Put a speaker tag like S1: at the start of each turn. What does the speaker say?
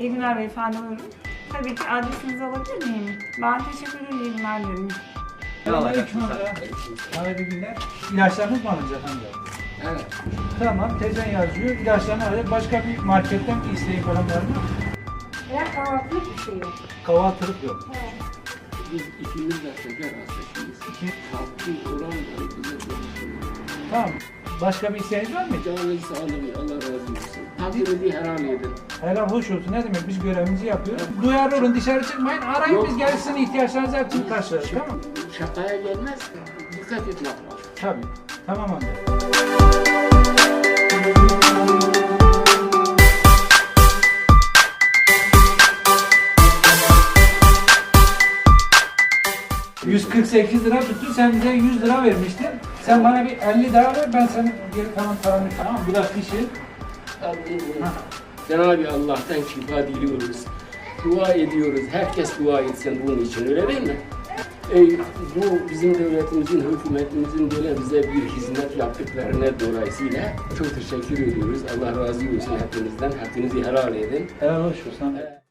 S1: İyi günler beyefendi, buyurun. Tabii ki adresinizi alabilir miyim? Ben teşekkür ederim, iyi günler dilerim.
S2: Selamünaleyküm. Hayırlı günler. İlaçlarınız mı alınacak amca?
S3: Evet.
S2: Tamam, teyzen yazıyor. İlaçlarını alacak. Başka bir marketten bir isteğin falan var mı?
S1: Eğer kahvaltılık bir şey yok.
S2: Kahvaltılık yok.
S3: Biz ikimiz de şeker hastasıyız. Tatlı olan da bize konuşuyor.
S2: Tamam. Başka bir isteğiniz var mı?
S3: Canınız sağlığı, Allah razı olsun. Hakkınızı helal edin.
S2: Helal hoş olsun. Ne demek? Biz görevimizi yapıyoruz. Duyarlı olun, dışarı çıkmayın. Arayın,
S3: Yok.
S2: biz gelsin, ihtiyaçlarınızı hepsini karşılarız. Tamam mı?
S3: Şakaya gelmez, dikkat etmek lazım.
S2: Tabii. Tamam amca. ...148 lira tuttu, sen bize 100 lira vermiştin. Sen bana bir 50 daha ver, ben senin geri kalan paranı... Tamam, biraz pişir.
S3: Cenab-ı Allah'tan şifa diliyoruz. Dua ediyoruz. Herkes dua etsin bunun için, öyle değil mi? Bu bizim devletimizin, hükümetimizin böyle bize bir hizmet yaptıklarına dolayısıyla çok teşekkür ediyoruz. Allah razı olsun hepinizden. Hakkınızı helal edin.
S2: Helal hoş olsun.